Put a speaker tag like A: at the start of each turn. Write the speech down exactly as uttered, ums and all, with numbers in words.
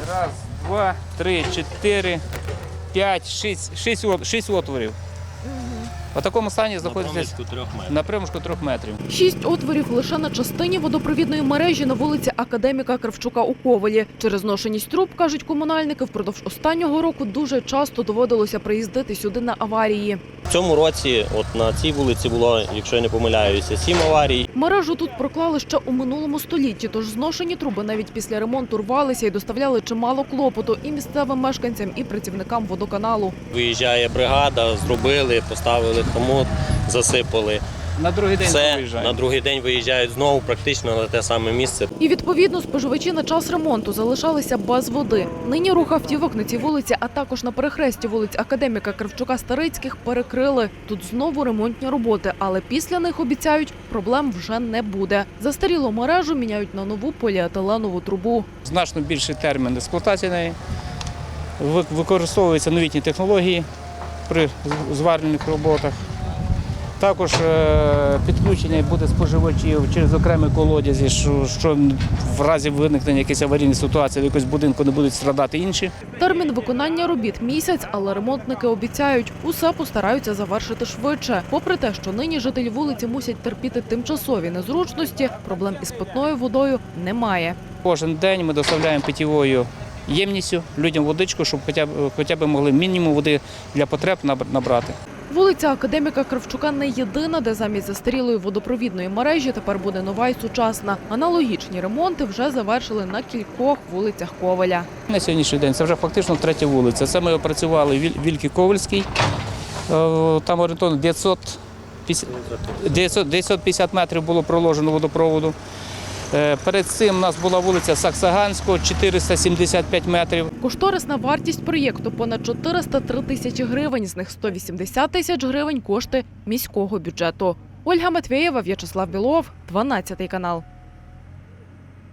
A: Раз, два, три, чотири, п'ять, шість, шість, от- шість отворів. У такому стані знаходиться на проміжку трьох метрів.
B: Шість отворів лише на частині водопровідної мережі на вулиці Академіка Кравчука у Ковелі. Через зношеність труб, кажуть комунальники, впродовж останнього року дуже часто доводилося приїздити сюди на аварії.
C: В цьому році от на цій вулиці було, якщо я не помиляюся, сім аварій.
B: Мережу тут проклали ще у минулому столітті, тож зношені труби навіть після ремонту рвалися і доставляли чимало клопоту і місцевим мешканцям, і працівникам водоканалу.
C: Виїжджає бригада, зробили, поставили хомут, засипали.
A: На другий день
C: Все,
A: виїжджаємо.
C: на другий день виїжджають знову практично на те саме місце.
B: І, відповідно, споживачі на час ремонту залишалися без води. Нині рух автівок на цій вулиці, а також на перехресті вулиць Академіка Кравчука-Старицьких перекрили. Тут знову ремонтні роботи, але після них, обіцяють, проблем вже не буде. Застарілу мережу міняють на нову поліетиленову трубу.
A: Значно більший термін експлуатації неї. Ви- Використовуються новітні технології при зварювальних роботах. Також е, підключення буде споживачів через окремі колодязі, що, що в разі виникнення якоїсь аварійної ситуації до якогось будинку не будуть страдати інші.
B: Термін виконання робіт – місяць, але ремонтники обіцяють, усе постараються завершити швидше. Попри те, що нині жителі вулиці мусять терпіти тимчасові незручності, проблем із питною водою немає.
A: Кожен день ми доставляємо питьовою ємністю людям водичку, щоб хоча б, хоча б могли мінімум води для потреб наб- набрати.
B: Вулиця Академіка Кравчука не єдина, де замість застарілої водопровідної мережі тепер буде нова і сучасна. Аналогічні ремонти вже завершили на кількох вулицях Ковеля.
A: На сьогоднішній день це вже фактично третя вулиця. Це ми опрацювали Віль- Вільки Ковельський, Е, там орієнтовно дев'ятсот п'ятдесят метрів було проложено водопроводу. Е, Перед цим у нас була вулиця Саксаганського, чотириста сімдесят п'ять метрів.
B: Кошторисна вартість проєкту – понад чотириста три тисячі гривень, з них сто вісімдесят тисяч гривень – кошти міського бюджету. Ольга Матвєєва, В'ячеслав Білов, дванадцятий канал.